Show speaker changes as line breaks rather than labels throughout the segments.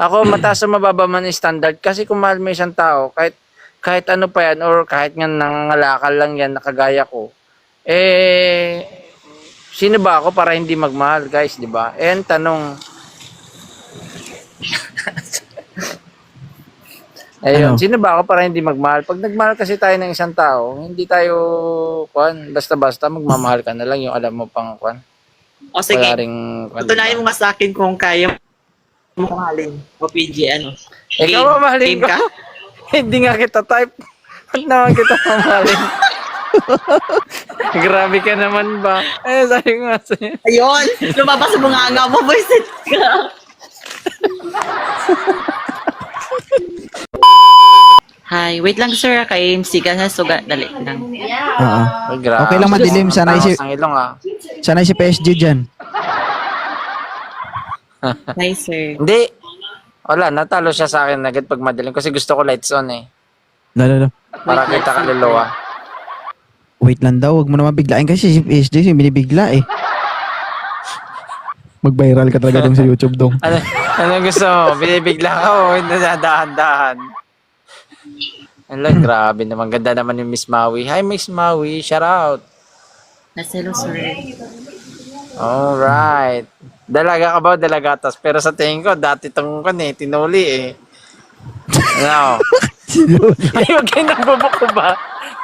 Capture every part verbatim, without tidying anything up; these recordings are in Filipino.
Ako, mataas o mababa man yung standard. Kasi kung mahal mo isang tao, kahit, kahit ano pa yan, or kahit nga nangangalakal lang yan, nakagaya ko, eh, sino ba ako para hindi magmahal, guys, di ba? Eh, ang tanong, ayun,
Ano?
sino ba ako para hindi magmahal? Pag nagmahal kasi tayo ng isang tao, hindi tayo, kwan, basta-basta, magmamahal ka na lang yung alam mo pang, kwan.
O sige,
Wala ring, kwan,
tutunayan
diba?
mo nga sa akin kung kaya mo mahalin. O P G, ano?
Ikaw mamahalin
Game
ko. Hindi nga kita type. Ba't naman kita mamahalin? Grabe ka naman ba? Eh, sabi ko nga sa'yo.
Ayun! Lumabas sa mga nga mo, boyset ka. Hi, wait lang sir, kay M C ka na suga, dali lang.
Oo.
Ay, grabe.
Okay lang madilim. Sanay si,
Ang ilong ah.
sanay si P S G dyan.
Hi sir.
Hindi. Wala, natalo siya sa akin agad pag madilim kasi gusto ko lights on eh.
Lalo, lalo.
Para
Wait,
kita
let's see.
kaluluwa.
Wait lang daw. Huwag mo naman biglain kasi si P S G yung binibigla eh. Mag-viral ka talaga dong sa YouTube dong.
Ano, ano gusto mo? Binibigla ka o hindi dahan-dahan? Ala, grabe naman. Ganda naman yung Miss Maui. Hi, Miss Maui. Shout out.
Naselo sir.
Alright. Dalaga ka ba o dalagatas? Pero sa tingin ko, dati itong kan eh, tinuli eh. Ano? Ay, huwag kayo nagbubuko ba?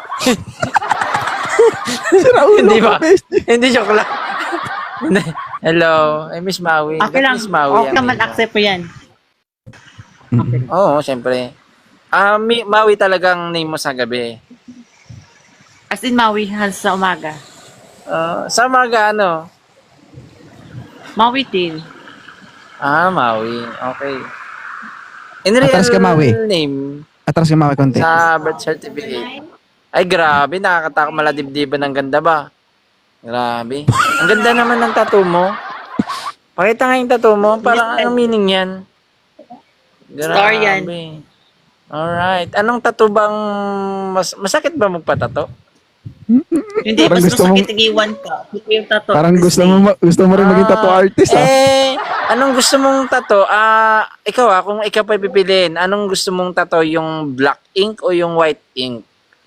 Sira ulo
Hindi
ko,
ba?
P S G.
Hindi, joke lang. Hello, ay Miss Maui.
Okay
Ba't
lang.
Miss Maui
Okay
ang
naman,
name mo?
accept po yan. Okay.
Oo, syempre. Ah, Mi- Maui talagang name mo sa gabi.
As in, Maui, hal sa umaga.
Ah, sa mga ano?
Maui din.
Ah, Maui. Okay. In real
Atras ka, Maui.
name,
Atras ka mga konti.
sa birth certificate. Ay, grabe. Nakakatakot maladibdiban ng ganda ba? Grabe. Ang ganda naman ng tattoo mo. Pakita nga yung tattoo mo. Parang anong meaning yan?
Star yan.
Alright. Anong tattoo bang mas masakit ba magpatato?
Hindi,
Parang
mas
gusto
masakit
mong-
igiwan ka. Ito yung tattoo.
Parang gusto mo ma- gusto mo rin maging tattoo artist ah.
Eh, anong gusto mong tattoo? Ah, ikaw ah, kung ikaw pa pipiliin, anong gusto mong tattoo? Yung black ink o yung white ink?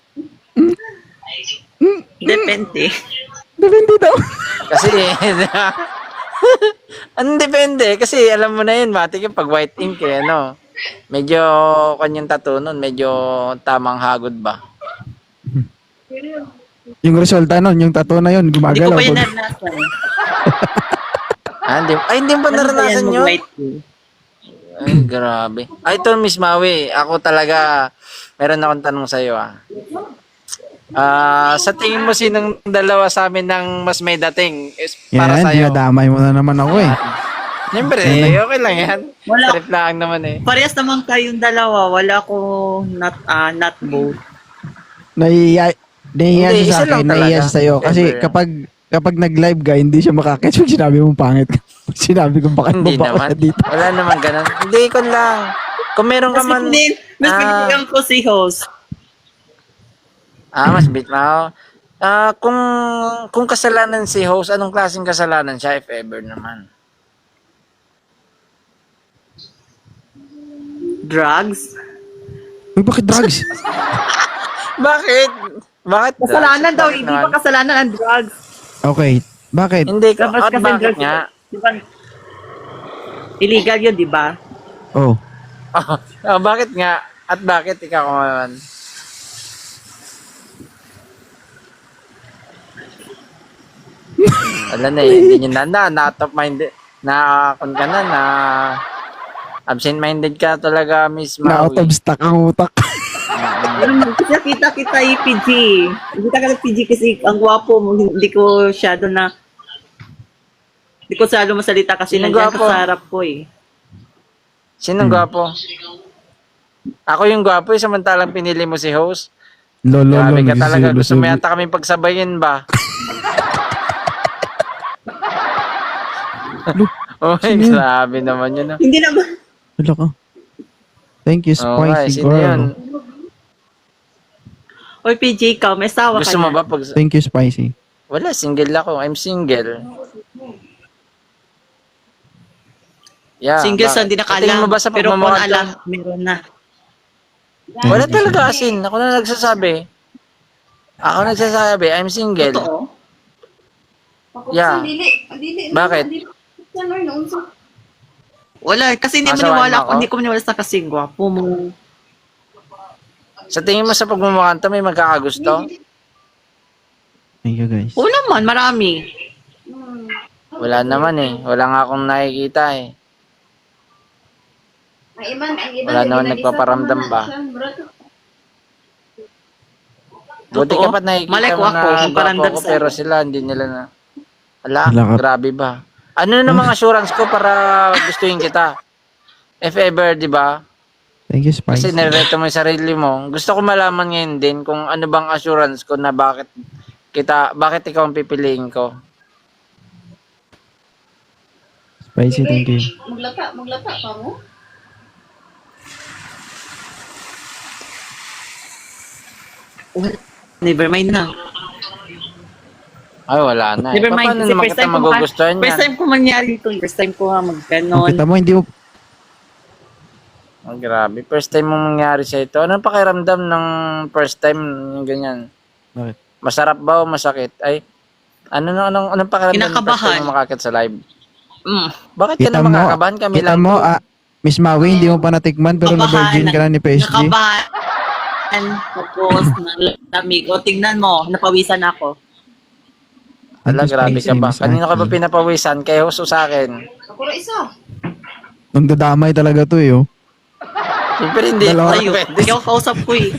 Depende.
Depende daw.
Kasi, ano depende? Kasi alam mo na yun, matik yung pag white ink eh, ano? Medyo, kanyang tattoo nun, medyo tamang hagod ba?
Yung resulta nun, yung tattoo na yun,
Hindi ko
gumagalaw.
pa yun
Pag-
naranasan.
Ah, hindi, ay, hindi ba naranasan nyo?
White.
Ay, grabe. Ay, ito, Miss Maui, ako talaga, meron akong tanong sa'yo ah. Ah, sa tingin mo sinong dalawa sa amin ng mas may dating is para
Yan,
sa'yo?
dinadamay mo na naman ako eh.
Siyempre,
Eh.
okay lang yan.
Wala.
Trip lang naman eh.
Parehas naman kayong dalawa. Wala ko not, ah, not both.
Naiiya, naiiya
Hindi,
siya
isa
sa
lang
akin, naiiya
talaga.
siya sa'yo. Kasi
Ever.
kapag kapag nag-live ka, hindi siya makakatch pag sinabi mong pangit ka. Pag sinabi kong bakit mo
Hindi
ba
naman.
ako dito.
Wala naman ganun. Hindi ko lang. Kung meron ka
Mas
man...
pinili, mas
Ah.
pinili ko si host.
Ah, mas bit mo. Ah, kung kung kasalanan si host, anong klaseng kasalanan siya if ever naman?
Drugs?
Uy, bakit drugs?
Bakit? Bakit?
Kasalanan daw,
Bakit
hindi
naman?
pa kasalanan ang drugs.
Okay, bakit?
Hindi ka.
Tapos
At
kasi
bakit
drugs,
nga?
di ba? Illegal yun, di ba?
Oh,
Ah, bakit nga? At bakit ikaw naman? Wala na eh. Hindi nyo na na. Na top minded. Na kung ka na na absent minded ka talaga, Miss
na out of
Maui.
stock ang utak.
Kasi kita kita yung P G. Kita ka ng P G kasi ang gwapo mo. Hindi ko shadow na hindi ko salo masalita kasi
Sino
nandiyan ka
gwapo?
sa harap ko eh.
Sinong gwapo? Ako yung gwapo eh, samantalang pinili mo si host.
Lolo,
Grabe
lolo,
ka talaga.
sulo,
Gusto mo
sulo.
yata kami pagsabayin ba? Oh,
Sino yun?
grabe naman yun. ah.
Hindi naman.
Lolo ko. Thank you,
Oo nga, eh,
spicy
sino yun?
girl.
Oy, P J, ikaw, may sawa ka
Gusto mo
na.
ba pag...
Thank you, spicy.
Wala, single ako. I'm single. Yeah,
Single sa
bakit?
hindi
Tingin
nakalam.
mo ba sa
Pero kung
pagmamukha
alam, meron na.
Wala talaga asin. Ako na nagsasabi. Ako nagsasabi, I'm single.
Totoo.
Yeah. Bakit?
Wala, kasi hindi
Asawain
maniwala
mo
ako.
ako?
Hindi ko maniwala sa kasing gwapo mo.
Sa tingin mo sa pagmamukha to, may magkakagusto?
Thank you guys.
Oo naman, marami.
Wala naman eh. Wala nga akong nakikita eh. Wala naman nagpaparamdam ba? Buti ka
Totoo.
pa nakikita
Malay ko
mo
ako,
na
magparamdam
gwapo ko,
sa'yo.
pero sila hindi nila na. Ala,
Wala ka.
grabe ba? Ano na namang assurance ko para gustuin kita? If ever, di ba?
Thank you,
Kasi
Spicy.
nireto mo yung sarili mo. Gusto ko malaman ngayon din kung ano bang assurance ko na bakit kita, bakit ikaw ang pipiliin ko.
Spicy, thank you.
Maglata, maglata pa mo?
Never mind na.
Ay, wala na. Eh.
Never mind.
Paano
Kasi
naman
first
kita
time ko maka-
magugustuhan
First
yan?
time ko mangyari ito. First time ko nga
Kung
magganon.
kita mo, hindi mo,
Oh, grabe. First time mong mangyari sa ito. Anong pakiramdam ng first time yung ganyan?
Bakit?
Masarap ba o masakit? Ay, ano na anong anong pakiramdam ng first
Kinakabahan.
time mo makakit sa live?
Mm.
Bakit ka
kita
na
mo,
makakabahan? Kami
kita
lang
mo,
to.
ah, Miss Maui, hindi mo pa natikman, pero na-virgin ka na ni P S G.
Nakabahan. Tapos, nalamig. O, tingnan mo. Napawisan ako.
Ala,
Thank you,
grabe
Spicy,
ka ba?
Miss
Kanino ka ba
Aki.
pinapawisan? Kay Huso sa akin.
Ako na isa.
Nung dadamay talaga to eh, oh.
Siyempre hindi.
Dalawa.
Ay,
Ayun.
pwede.
Hindi ako kausap ko eh.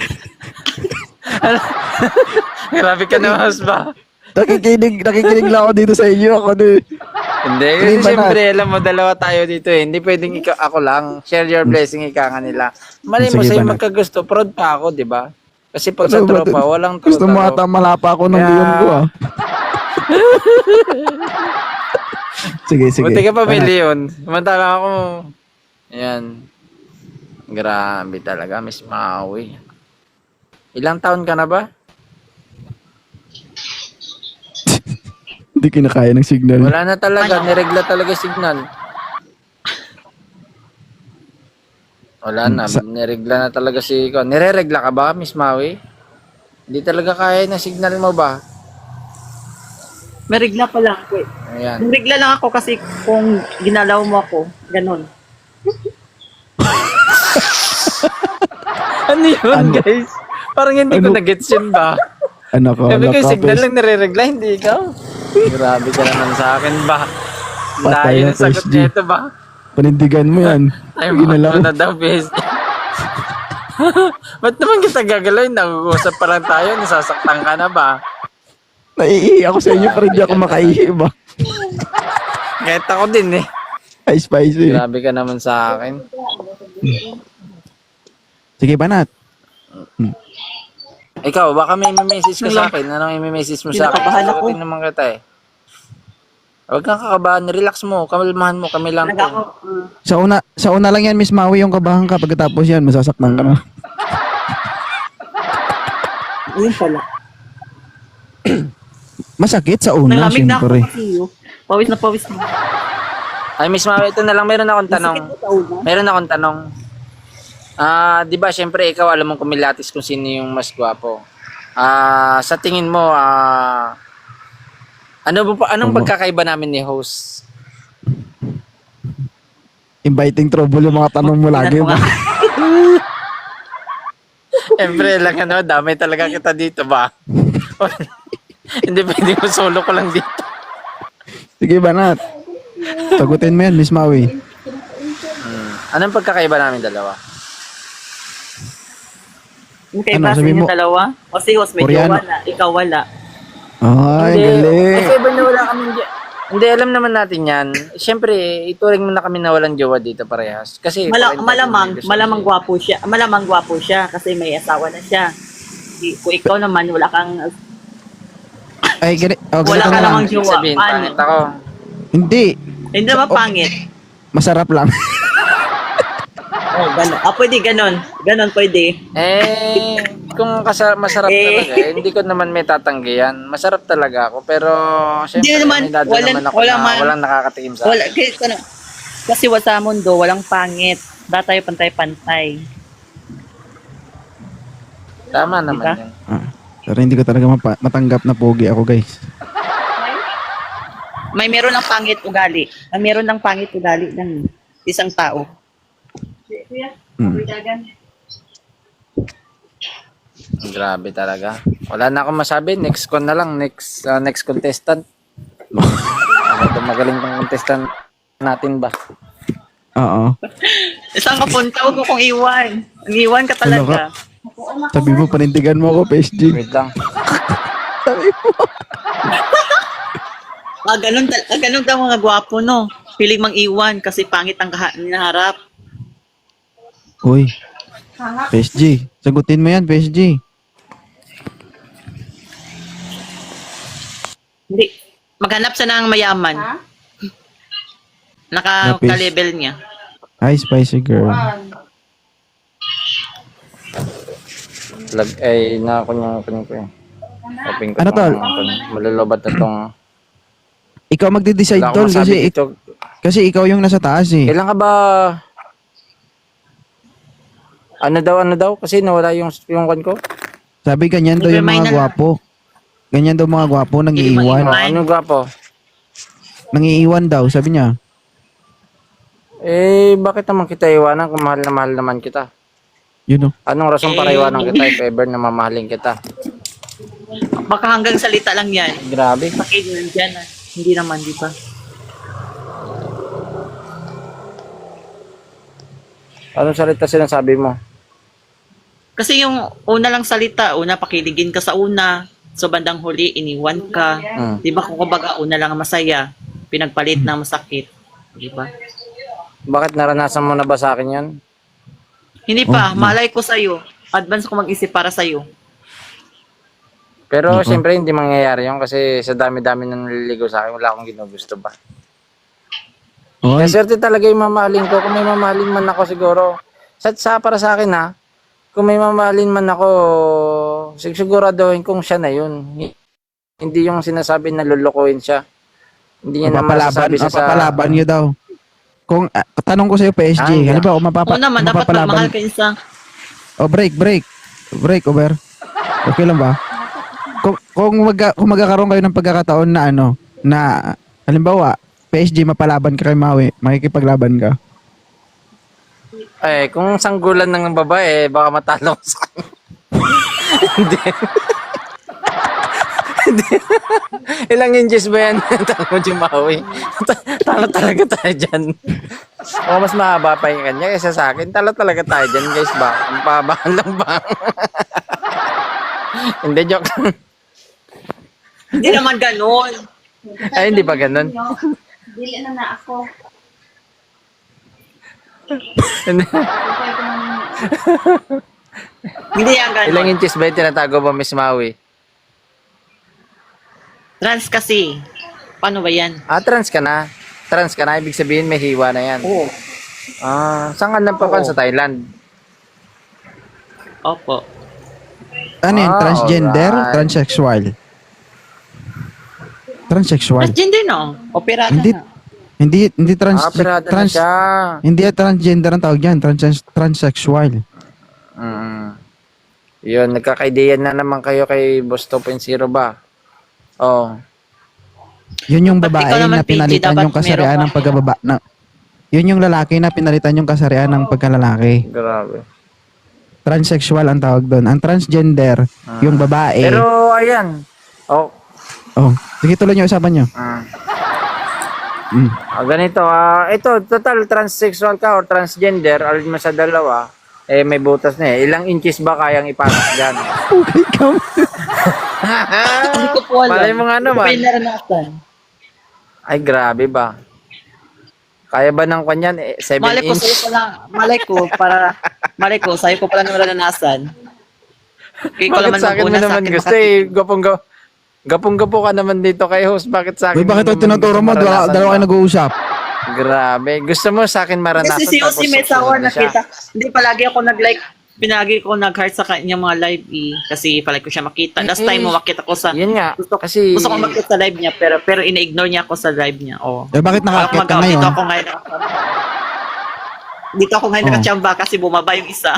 Grabe ka na, Hus ba?
Nakikinig, nakikinig lang ako dito sa inyo. Ako na eh.
Hindi,
Hindi
kasi
ba na-
siyempre, alam mo, dalawa tayo dito eh. Hindi pwedeng ikaw, ako lang. Share your blessing, ika nga nila. Mali mo
Sige,
sa'yo
banat.
magkagusto, proud pa ako, di ba? Kasi pag sa
Ano ba
tropa,
to?
walang tropa.
Gusto mo ata malapa ako ng
Kaya-
leon ko ah. Sige, sige.
Buti ka pa may
Banat.
leon. Samantala ako, ayan. Grabe talaga, Miss Maui. Ilang taon ka na ba?
Hindi kinakaya ng signal.
Wala na talaga, niregla talaga signal. Wala na,
Sa-
niregla na talaga si... Nireregla ka ba, Miss Maui? Hindi talaga kaya ng signal mo ba?
May regla pa lang ako eh.
Ayan.
May regla lang ako kasi kung ginalaw mo ako, ganon.
Ano yun,
Ano?
guys? Parang hindi ko
Ano?
na-gets yun ba?
Anak ko,
Sabi
anak
ko,
ka,
signal
pes.
lang nire-regla, hindi ikaw. Grabe ka naman sa akin ba?
Patay
Layo
na,
ng sagot
P S G.
nito ba?
Panindigan mo yan.
Ay,
Ginalaw.
mo na daw, bes. Ba't naman kita gagalawin? Nag-uusap pa lang tayo, nasasaktan ka na ba?
Naiihi ako sa inyo, pero hindi ako makaihi ba?
Kahit ako din eh.
Ay, spicy.
Grabe ka naman sa akin.
Sige, banat.
Ikaw, baka may message ka sa akin. Anong i-message mo sa akin?
Kinakabahan ako.
Sagutin naman kita eh. Huwag kang kakabahan. Relax mo. Kamalmahan mo. Kami lang
Talaga
to.
ako, uh,
Sa una, sa una lang yan, Miss Maui, yung kabahan ka. Pagkatapos yan, masasaktan ka na.
ayun pala.
Masakit sa una,
Nalamig na ako
syempre.
kasi yun. Pawis na pawis na.
Ay, Miss Maui, ito na lang. Meron akong tanong.
Masakit sa una.
Meron akong tanong. Ah, 'di ba, syempre ikaw alam mong kumilatis kung sino yung mas gwapo. Ah, sa tingin mo, ah ano ba anong
Ano?
pagkakaiba namin ni host?
Inviting trouble yung mga tanong mo lagi
Tingnan mo
ba?
nga.
Syempre lang ano, damay talaga kita dito ba? Hindi pwede mo solo ko lang dito.
Sige, banat. Sagutin mo yan, Miss Maui.
Hmm. Anong pagkakaiba namin dalawa?
Yung kay
Ano,
Bas,
sabi
yung
mo-
dalawa. O si Hos, may
Koreano.
jowa na. Ikaw wala.
Ay, galing.
Kasi iba na wala kami Hindi, alam naman natin yan. Siyempre, ituring mo na kami na walang jowa dito parehas. Kasi
Mala-
parang-
malamang,
gusto
malamang
niya.
gwapo siya. Malamang gwapo siya kasi may asawa na siya. I- Kung ikaw naman, wala kang...
Ay, gani, oh,
Wala
ganito
ka
na lang.
namang
Ibig
jowa.
sabihin,
Paano?
pangit ako.
Hindi.
Hindi naman
Oh.
pangit.
Masarap lang.
Oh, ganon. Ah, pwede ganon. Ganon pwede.
Eh, kung kasa- masarap
Eh.
talaga, eh, hindi ko naman may tatanggihan. Masarap talaga ako, pero
Hindi
syempre,
naman,
may dado
walang-
naman ako
walang
na
man-
walang nakakatikim sa
Wala,
akin.
kasi ano, Kasi wa sa mundo, walang pangit. Dapat tayo pantay-pantay.
Tama naman
Diba?
yun.
Ah, pero hindi ko talaga mapa- matanggap na pogi ako, guys.
May meron ng pangit ugali. May meron ng pangit ugali ng isang tao.
Kuya,
Hmm.
dagan.
Grabe talaga. Wala na akong masabi. Next con na lang. Next uh, next contestant. Ano, magaling kong contestant natin ba?
Oo.
Isang kapunta, huwag ko kong iwan. Ang iwan ka talaga.
Sabi mo, panindigan mo ako, P S G.
Wait lang.
Ah, ganun, tal- ah, ganun daw mga gwapo, no? Piling mang iwan kasi pangit ang kaha- hinaharap.
Uy, P S G. Sagutin mo yan, P S G.
Hindi. Maghanap siya ng mayaman.
Ha?
Naka,
Napis.
ka-level niya.
Hi, spicy girl.
Lag ay na ko yung kunin ko eh. Open ko
Ano,
tong-
tol?
tong- Malulubat na tong
Ikaw magde-decide,
wala
tol,
akong masabi
kasi,
dito.
kasi ikaw yung nasa taas eh.
Kailan ka ba ano daw ano daw kasi nawala yung yung kwan ko.
Sabi ganyan daw yung
Remind
mga
na lang.
gwapo. Ganyan daw mga gwapo, nang iiwan.
Iiwan.
Oh, ano gwapo?
Nang iiwan daw, sabi niya.
Eh bakit naman kita iwanan kung mahal na mahal naman kita?
Yun o.
Anong rason para
Eh,
iwanan kita if ever na mamahalin kita?
Baka hanggang salita lang yan.
Grabe.
Bakit nandyan ah. Hindi naman, di ba?
Anong salita sinasabi mo?
Kasi yung una lang salita, una pakiligin ka sa una, so bandang huli, iniwan ka.
Hmm.
Di ba kung kumbaga una lang ang masaya, pinagpalit ng masakit. Di ba?
Bakit naranasan mo na ba sa akin 'yan?
Hindi pa,
Oh, no.
malay ko sa'yo. Advance ko mag-isip para sa'yo.
Pero
Oo.
siyempre hindi mangyayari 'yon kasi sa dami-dami nang naliligaw sa akin, wala akong ginugusto ba.
Oy,
Kaya swerte talaga yung mamahalin ko. Kung may mamahalin man ako siguro, sa, sa para sa akin ha, kung may mamahalin man ako, sig- siguraduhin kong siya na yun. Hi- Hindi yung sinasabi na lulukuhin siya. Hindi niya na
mapapalaban,
masasabi siya sa...
mapapalaban niyo daw. Kung, ah, tanong ko sa'yo, P S G,
Ah,
halimbawa, kung mapapa,
Oo naman, dapat
mapapalaban,
magmahal ka isa.
oh, break, break. Break, over. Okay lang ba? Kung, kung, magka, kung magkakaroon kayo ng pagkakataon na ano, na, halimbawa, P S G, mapalaban ka kay Maui, makikipaglaban ka.
Eh, kung sanggulan ng babae, baka matalo ko sa kanya. Hindi. Hindi. Ilang inches ba yan? Talo mo Jimawi. Talo talaga tayo dyan. O mas mahaba pa yung kanya kaysa sa akin. Talo talaga tayo dyan guys ba? Ang pabahan lang ba? Hindi, joke lang.
Hindi naman ganun.
Ay, hindi pa ganun.
Dili na na ako.
Hindi.
Pwede ko nang
Hindi yan ganun.
Ilang inches ba yung tinatago ba, Miss Maui?
Trans kasi. Paano ba yan?
Ah, trans ka na. Trans ka na, ibig sabihin may hiwa na yan.
Oo.
Ah, saan ka napapan
Oo.
sa Thailand?
Opo.
Ano yun,
Ah,
transgender,
alright.
transsexual? Transsexual.
Transgender no? Operada
Hindi,
na.
hindi, hindi trans,
Ah, pirata na
trans,
siya.
hindi transgender ang tawag yan, trans, transsexual.
Mm. Yun, nagkakaideyan na naman kayo kay Boss two point oh ba? Oh.
Yun yung
Ba't
babae
ikaw naman,
na
P G,
pinalitan
dapat
yung kasarian
meron
ng
ka?
pagkababa. Na, yun yung lalaki na pinalitan yung kasarian ng pagkalalaki.
Grabe.
Transsexual ang tawag doon. Ang transgender, yung babae.
Pero, ayan. Oh.
oh, sige tuloy niyo usapan niyo.
Ah.
Mm.
Ah, ganito, ah, ito, total transsexual ka or transgender, alin mo sa dalawa, eh, may butas na eh. Ilang inches ba kayang ipasok dyan?
Okay, come.
Hindi ko po alam.
Malay mo nga naman.
Hindi ko naranasan.
Ay, grabe ba? Kaya ba ng kanyan? Eh, seven
Malay ko
inch?
sa'yo pala. Malay ko para... Malay ko, sa'yo ko pala naranasan. Kaya ko
Bakit
naman
sa akin mo
maguna sa
naman
akin.
gusto eh? Gapong ga Gapong-gapo ka naman dito kay host. Bakit sa akin
Uy, bakit
mo
ito
naman
tinuturo
gusto
mo? Dalawa,
maranasan
dalawa kayo
ba?
nag-uusap.
Grabe. Gusto mo sa akin maranasan
Kasi si Yossi may
susunod
sawa
na siya.
nakita. Hindi palagi ako nag-like. Pinagi ko nag-heart sa kanyang mga live eh. Kasi palagi ko siya makita. Last time mo makita ko sa...
Yun nga.
Gusto,
Kasi...
gusto ko makita sa live niya pero pero ina-ignore niya ako sa live niya. Oh.
Eh, bakit
Parang
nakakit ka
mag-out
ngayon?
dito ako ngayon. dito ako ngayon
Oh.
nakachamba kasi bumaba yung isa.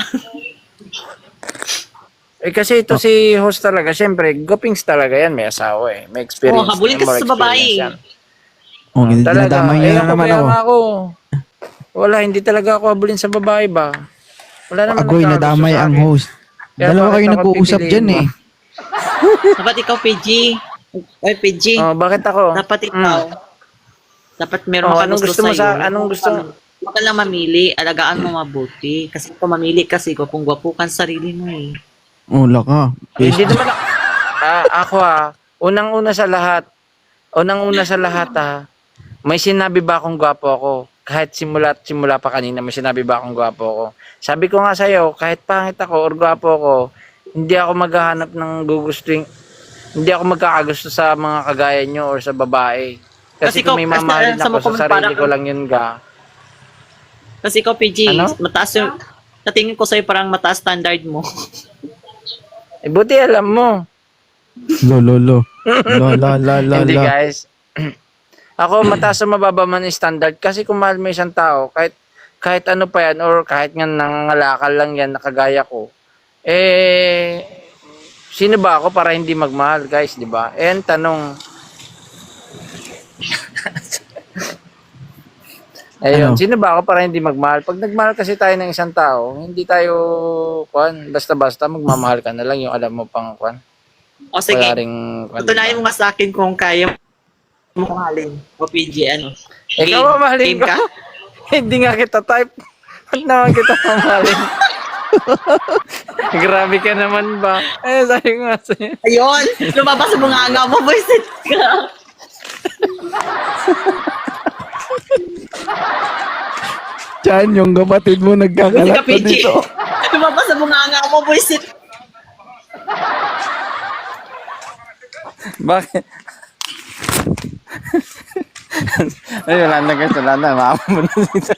Eh kasi ito si host talaga, syempre, gupings talaga yan, may asawa eh. May experience.
Oh, habulin
may
kasi
more
sa babae.
experience yan.
Oh, hindi
Talaga,
dinadamay niya
eh,
na
ako,
naman
kaya
ako.
nga ako. Wala, hindi talaga ako habulin sa babae ba? Wala naman
Agoy,
nagkakagusto
nadamay
sa
ang
akin.
host.
Kaya
Dalawa
bakit
kayo
ako
nag-uusap
pipiliin
dyan
mo?
eh.
Dapat ikaw, P G. Ay, P G.
Oh, bakit ako?
Dapat ikaw. Dapat meron
Oh,
ka
anong gusto mo sa- anong gusto-
Huwag ka lang mamili. Alagaan mo mabuti. Kasi kung mamili kasi ko, kung gwapo kang sarili mo eh.
Wala ka.
Eh, Hindi naman ako. Ah, ako ah, unang-una sa lahat, unang-una sa lahat ah, may sinabi ba akong gwapo ako? Kahit simula simula pa kanina, may sinabi ba akong gwapo ako? Sabi ko nga sa'yo, kahit pangit ako or gwapo ako, hindi ako maghahanap ng gugustuhin, hindi ako magkakagusto sa mga kagaya nyo or sa babae. Kasi,
Kasi
kung
ikaw-
may
kasi
mamahalin
sa
ako
mo
sa sarili
parang-
ko lang yun ga.
Kasi ikaw, P G,
Ano?
mataas yung... Natingin ko sa'yo parang mataas standard mo.
Eh, buti alam mo.
Lo, lo, lo. Lo, la, la, la,
Hindi
la.
guys. Ako mataas sa mababa man yung standard kasi kung mahal mo isang tao, kahit kahit ano pa yan or kahit nga nangangalakal lang yan nakagaya ko, eh sino ba ako para hindi magmahal guys, di ba? Eh ang tanong, ayun,
Ano?
sino ba ako para hindi magmahal? Pag nagmahal kasi tayo ng isang tao, hindi tayo kwan, basta-basta magmamahal ka na lang yung alam mo pang kwan.
O sige,
Wala ring kwan,
tutunayan
diba?
mo nga sa akin kung kaya mo mahalin. O P G, ano?
Ikaw mamahalin
game
ko. Hindi nga kita type. Ba't naman kita mamahalin? Grabe ka naman ba? Eh, sabi ko nga sa'yo.
Ayun! Lumabas sa mga nga mo, boyset ka!
Chan, yung kapatid mo
Boyset
nagkakalat
ka, P
na
G!
dito.
Lumabas sa mga nga mo, boyset!
Bakit? Ay, wala na guys, wala na. Maama mo na dito.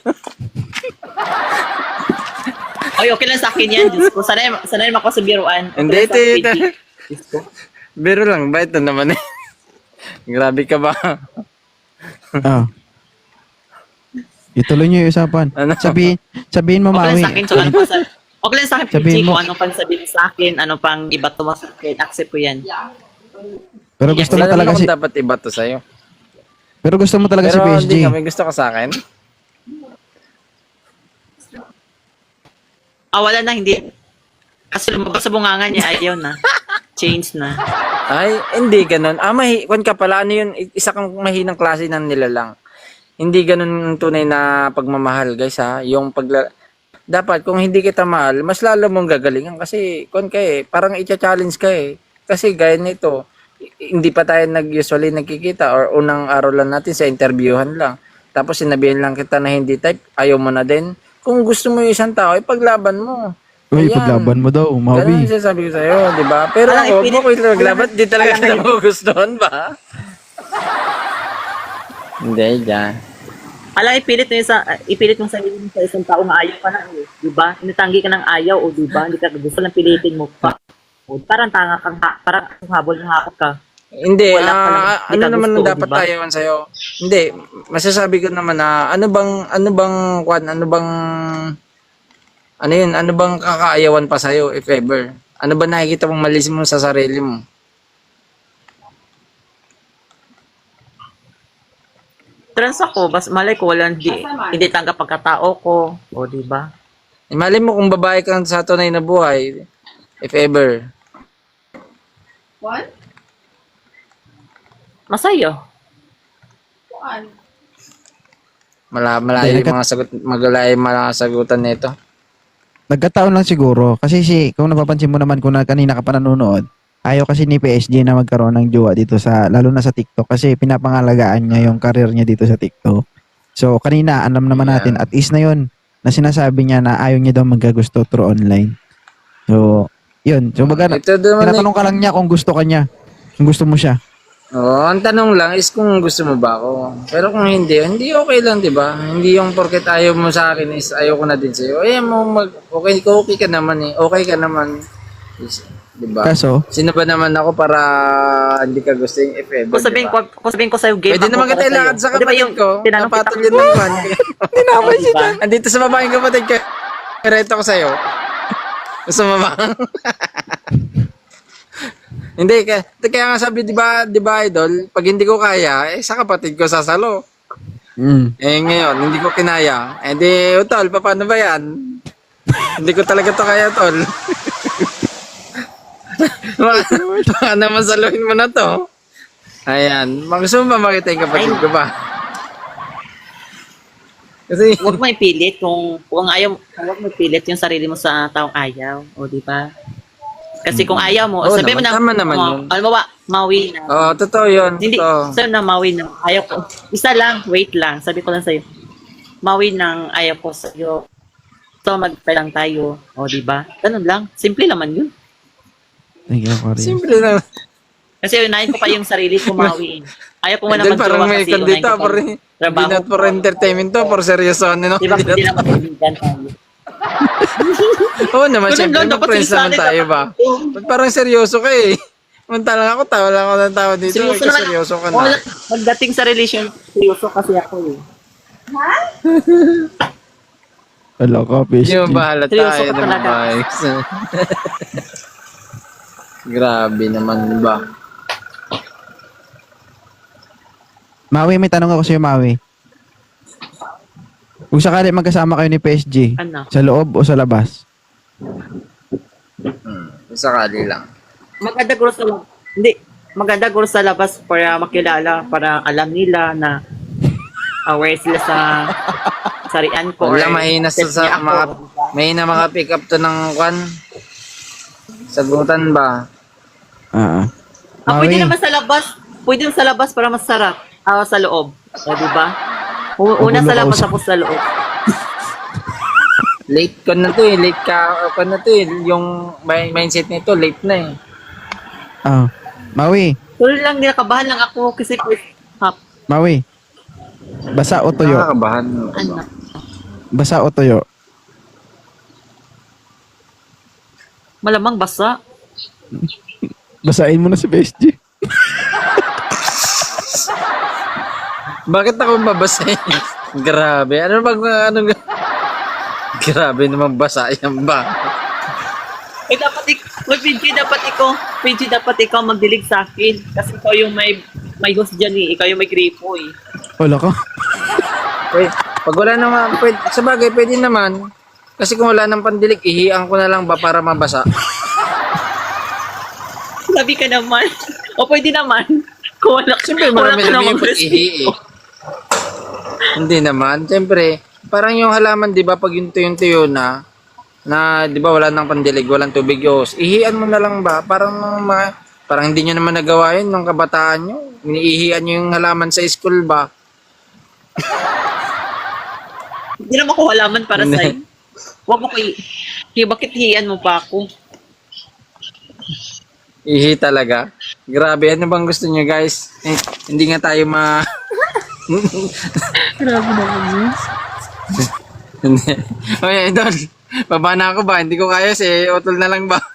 Ay, okay lang sa akin yan, Diyos ko. Sanay, sanay naman ako sa biruan. Okay
Hindi,
lang
ito,
sa akin,
ito.
P G. Diyos ko.
Biro lang ba? Ito naman eh. Grabe ka ba?
Ah. Ituloy niyo yung usapan.
Ano?
Sabihin, sabihin mo,
Okay lang
Maui.
sa akin, so ano pa sa... Okay lang sa akin, P G,
Sabihin mo.
kung ano pang sabihin sa akin, ano pang iba to sa akin, accept ko yan.
Pero gusto
Hindi
mo talaga
naman
si
ako dapat iba to sa'yo.
Pero gusto mo talaga si
Pero
P S G.
hindi ka, may gusto ka sa akin.
Ah, wala na, hindi. Kasi lumabas sa bunganga niya, ayaw na. Change na.
Ay, hindi ganun. Ah, mahi, kwan ka pala, ano yun, isa kang mahinang klase ng nilalang. Hindi ganun ang tunay na pagmamahal, guys, ha. Yung pagla... Dapat, kung hindi kita mahal, mas lalo mong gagalingan kasi, kwan ka eh, parang i-challenge ka eh. Kasi gaya nito, i- hindi pa tayo nag-usually nagkikita or unang araw lang natin sa interviewhan lang. Tapos sinabihan lang kita na hindi type, ayaw mo na din. Kung gusto mo yung isang tao, ipaglaban mo.
Uy,
Ayan.
paglaban mo daw,
Ganun
Maui.
yung sinasabi ko sa'yo, di ba? Pero
Alam,
ako, huwag mo
ipilit-
ko itaglaban, di talaga
alam,
kita
alam.
magugustuhan ba? Hindi, dyan.
Alam, ipilit mo yung sa, ipilit mo sa sarili mo sa isang tao nga ayaw ka na, eh. Di ba? Inatanggi ka ng ayaw, o di ba? Hindi ka gusto lang pilitin mo pa. O, parang tanga kang, ha- parang habol ng hakot ka.
Hindi,
Wala ka lang,
ah,
di
ano
ka
naman
gusto,
ang dapat
diba?
ayawan sa'yo? Hindi, masasabi ko naman na ano bang, ano bang, kwan, ano bang, ano yun, ano bang kakaayawan pa sa'yo, if ever? Ano ba nakikita mong malis mo sa sarili mo?
Trans ako, bas malay ko, wala, hindi, hindi tanggap pagkatao ko. O, di ba?
Imali mo kung babae kang sa tunay na buhay, if ever.
What?
Masaya.
Kuan?
Mala, malayo
Hindi,
yung mga sagot, magalayo yung mga sagutan nito.
Nagkataon lang siguro. Kasi si, kung napapansin mo naman kung na, kanina ka pa nanonood, ayaw kasi ni P S G na magkaroon ng jowa dito sa, lalo na sa TikTok kasi pinapangalagaan niya yung career niya dito sa TikTok. So, kanina, alam naman
Yeah.
natin, at is na yun, na sinasabi niya na ayaw niya daw magkagusto through online. So, yun. So, baga,
Ito naman eh.
tinatanong ka lang niya kung gusto ka niya. Kung gusto mo siya.
Oo, ang tanong lang is kung gusto mo ba ako. Pero kung hindi, hindi okay lang, di ba? Hindi yung porket ayaw mo sa akin is ayaw ko na din sa'yo. Eh, mo mag, okay, okay ka naman eh. Okay ka naman. Is, Diba?
Kaso,
Sino ba naman ako para hindi ka gusto yung if ever,
Kung sabihin
diba?
ko, kung sabihin ko sa'yo, game
Pwede
ako
naman kita
para sa'yo.
ilakad sa
Di ba
kapatid
yung
ko.
tinanong kita
Napatol yun ng kwan.
hindi naman
Oh, diba?
Andito sa babaeng kapatid ko. Reto ko sa'yo. Gusto mo ba? Hindi, kaya, kaya nga sabi, di ba, di ba, idol, pag hindi ko kaya, eh, sa kapatid ko sasalo.
mm,
Eh, ngayon, hindi ko kinaya. Eh, di, utol, paano ba yan? Hindi ko talaga to kaya, tol. Baka baka naman saluhin mo na to. Ayan. Gusto mo ba makita yung kapatid ko ba? Kasi,
Huwag mo ipilit kung kung ayaw, huwag mo ipilit yung sarili mo sa taong ayaw, o di ba? Kasi kung ayaw mo,
Oo
sabi mo
naman,
na,
tama naman
mo,
yun.
alam mo ba, mawi na.
oh, totoo yun.
Hindi,
Totoo.
sabi na mawi na, ayaw ko. Isa lang, wait lang, sabi ko lang sa'yo. Mawi ng ayaw ko sa'yo. So, mag-try lang tayo, o di ba? Ganun lang, simple naman yun.
thank you, Cory.
Simple lang.
Kasi unahin ko pa yung sarili ko mawiin. Ayaw ko muna
Then parang
mag-jowa
may
kasi unahin
kandito,
ko pa
for,
yung
hindi
trabaho
not for
ko.
entertainment to, for seryoso. Ano,
Di ba,
hindi
hindi
not-
lang magkaibigan tayo.
Oo naman,
Ganun
syempre,
lang, dapat
mag-friends
yung
naman
sa akin,
tayo ba? Ba't parang seryoso ka eh? Mantalang ako, tawa lang ako ng tawa dito.
Seryoso
Ikaw
naman.
seryoso ka
Wala,
na.
pagdating sa relation, seryoso kasi ako eh.
Wala ka, P S
Hindi mo
G.
ba halata
Seryoso
eh,
ka
ng
talaga.
vibes? Grabe naman ba?
Maui, may tanong ako sa'yo, Maui. Kung sakali magkasama kayo ni P S G,
Ano?
sa loob o sa labas?
Hmm, sakali lang.
Maganda guro sa labas. Hindi. Maganda guro sa labas para makilala, para alam nila na aware sila sa sarian ko.
Wala,
or
mahina sa,
set
sa
niya ako.
mga, mahina mga pick up to ng kwan. Sagutan ba?
Ah,
Ah, pwede
Maui,
naman sa labas. Pwede naman sa labas para masarap. Ah, sa loob. O, di ba? U- Una
Magulo
sa
ka
labas,
usap.
tapos sa loob.
Late ko na to eh, late ka, ka na to eh. Yung mi- mindset nito, late na eh.
ah, Maui,
Tuloy lang, nakabahan lang ako kasi hap.
Maui. Basa o tuyo?
Nakakabahan.
Ano?
Basa o tuyo?
Malamang basa.
Basahin mo na si P S G.
Bakit ako mabasahin? Grabe. Ano bang, ano, grabe naman basa yan ba?
Eh, dapat ik- Uy, P G, dapat ikaw, P G, dapat ikaw magdilig sa akin. Kasi ikaw yung may, may host dyan eh. Ikaw yung may gripo eh.
Wala ka.
Pwede, pag wala naman, pwede, sa bagay, pwede naman. Kasi kung wala nang pandilig, ihiang ko na lang ba para mabasa?
Sabi ka naman. O pwede naman. Kung wala,
Siyempre,
wala
marami
ka
sabihin
namang
pag ihi eh. Hindi naman. Siyempre, parang yung halaman, di ba, pag yung tuyong-tuyo na, na, di ba, wala nang pandilig, walang tubig yos, ihian mo na lang ba? Parang, ma, parang hindi nyo naman nagawa yun nung kabataan nyo. Iniihian nyo yung halaman sa school ba?
Hindi naman ko halaman para
Hindi.
sa'yo. Huwag mo ko i- Kaya bakit hiyan mo pa ako?
Ihi talaga. Grabe, ano bang gusto nyo guys? Eh, hindi nga tayo ma...
Grabe naman yun.
Hindi. Oye, idol. Baba na ako ba? Hindi ko kaya si Otol na lang ba?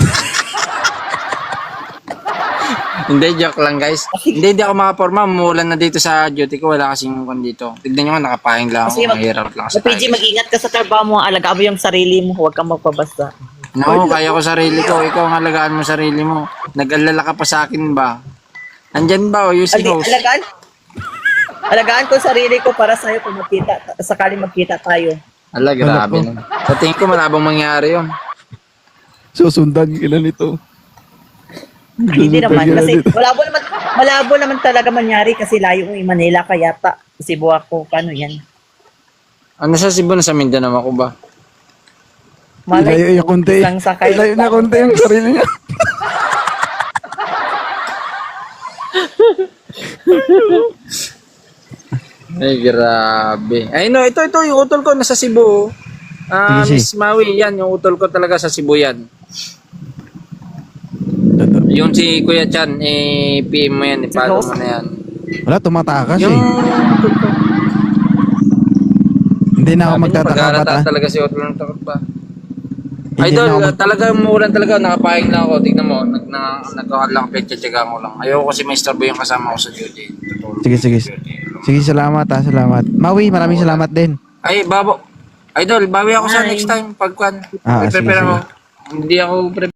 Hindi, joke lang guys. Hindi, hindi ako makaporma. Umuulan na dito sa duty ko. Wala kasing kung dito. Tignan nyo nga, nakapahing lang ako.
Kasi mag-
Mahirap lang sa
Sa P G,
tayo.
mag-ingat ka sa trabaho mo. Alagaan mo yung sarili mo. Huwag kang magpabasta.
No, kaya ko sarili ko. Ikaw ang alagaan mo sarili mo. Nag-alala ka pa sa akin ba? Andyan ba o yung si
Adi,
host?
alagaan? Alagaan ko sarili ko para sa'yo kung magkita. Sakaling magkita tayo.
Ala, grabe na. Sa tingin ko malabang mangyari yun.
Susundan ka na nito.
Hindi
Susundan
naman.
ka na
Kasi
nito.
malabo naman, malabo naman talaga mangyari kasi layo mo yung Manila kaya ta. Cebu ako. Paano yan?
Ano sa Cebu na sa Mindanao ako ba?
Ilayo yung konti.
Isang sakay.
Ilayo na konti yung sarili niya.
Ay, grabe. Ay, no, ito, ito, yung utol ko nasa Cebu. Ah,
Sige,
Miss Maui, yan, yung utol ko talaga sa Cebu yan. Yung si Kuya Chan, eh, P M mo yan, ipalo mo na yan.
Wala, tumatakas
Yung
eh.
utol ko.
Hindi na ako
Sabi niya,
magtataka
pag-aalata
bata.
talaga si utol ng takot ba?
Hindi na
Idol,
ako
uh,
mag-
talaga umuulan talaga. Nakapahing lang ako. Tignan mo. Nag, na, nagkakad lang. Petsa-tsaga ko lang. Ayoko kasi may istorbo yung kasama ko sa duty. Tutulog
Sige, sige. Sige, salamat ha, salamat. Maui, maraming salamat din.
Ay, babo. Idol, bawi ako sa
Hi.
next time. Pagkwan.
Ah, sige,
prepare
sige.
ako. Hindi ako prepare.